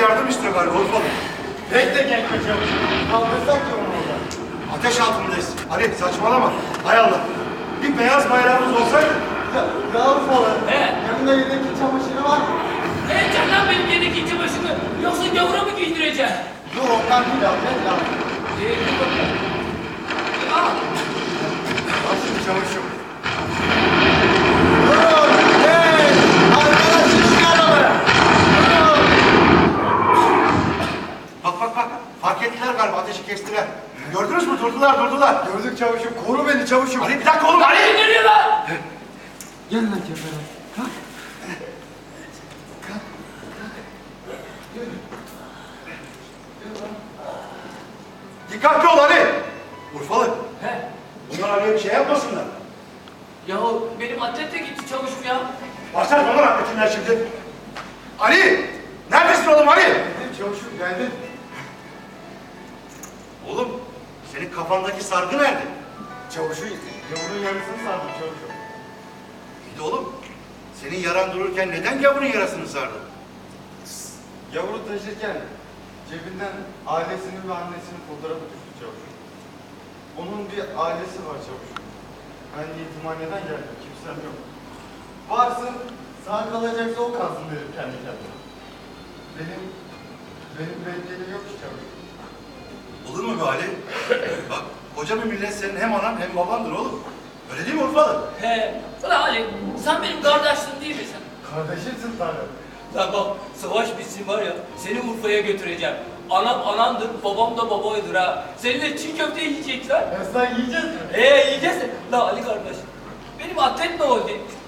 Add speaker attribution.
Speaker 1: yardım istiyor galiba Urfalı.
Speaker 2: Bekle genç çavuş. Kaldırsak ya onu orada.
Speaker 1: Ateş altındayız. Ali saçmalama. Hay Allah. Bir beyaz bayrağımız olsaydı.
Speaker 2: Ya Urfalı.
Speaker 3: He.
Speaker 2: Yanında yedek çamaşırı var mı?
Speaker 3: Heyecan lan benim yedek içi başını. Yoksa gavura mı giydireceksin?
Speaker 2: Dur ondan değil abi. Ne lazım?
Speaker 3: Dur bakalım. Al.
Speaker 1: Nasıl çavuşum?
Speaker 2: Durun! Hey! Arkadaşım şu arabaya! Durun!
Speaker 1: Bak. Fark ettiler galiba ateşi kestiler. Gördünüz mü? Durdular.
Speaker 2: Gördük çavuşum. Koru beni çavuşum.
Speaker 1: Ali bir dakika oğlum Ali.
Speaker 3: Ne geliyor lan?
Speaker 2: Gel lan kefere. Kalk.
Speaker 1: Dikkatli ol Ali. Urfalı.
Speaker 3: He.
Speaker 1: Bunlar Ali'ye bir şey yapmasınlar.
Speaker 3: Ya benim atlet de gitti çavuşum ya.
Speaker 1: Başlar bana rahmetinden şimdi. Ali! Neredesin oğlum Ali?
Speaker 2: Geldim çavuşum geldim.
Speaker 1: Oğlum senin kafandaki sargı nerede?
Speaker 2: Çavuşu yavurun yarısını sardım çavuşum.
Speaker 1: Bir de oğlum senin yaran dururken neden gavurun yarasını sardın?
Speaker 2: Yavru taşırken cebinden ailesinin ve annesinin fotoğrafı düştü çavuşum. Onun bir ailesi var çavuşum. Ben yetimhaneden geldim, kimsem yok. Varsın, sağ kalacaksa o kalsın dedim kendi kendime. Benim beddelim yok ki çavuşum.
Speaker 1: Olur mu be Ali? Bak koca bir millet senin hem anan hem babandır oğlum. Öyle değil mi Urfalı?
Speaker 3: He. Ulan Ali sen benim kardeşsin değil misin?
Speaker 2: Kardeşimsin Tanrım.
Speaker 3: Lan bak savaş bitsin var ya seni Urfa'ya götüreceğim. Anam anandır babam da babaydır ha. Seninle çiğ köfte yiyecekler.
Speaker 2: Sen yiyeceğiz mi?
Speaker 3: Yiyeceğiz. La Ali kardeş benim atlet ne oldu?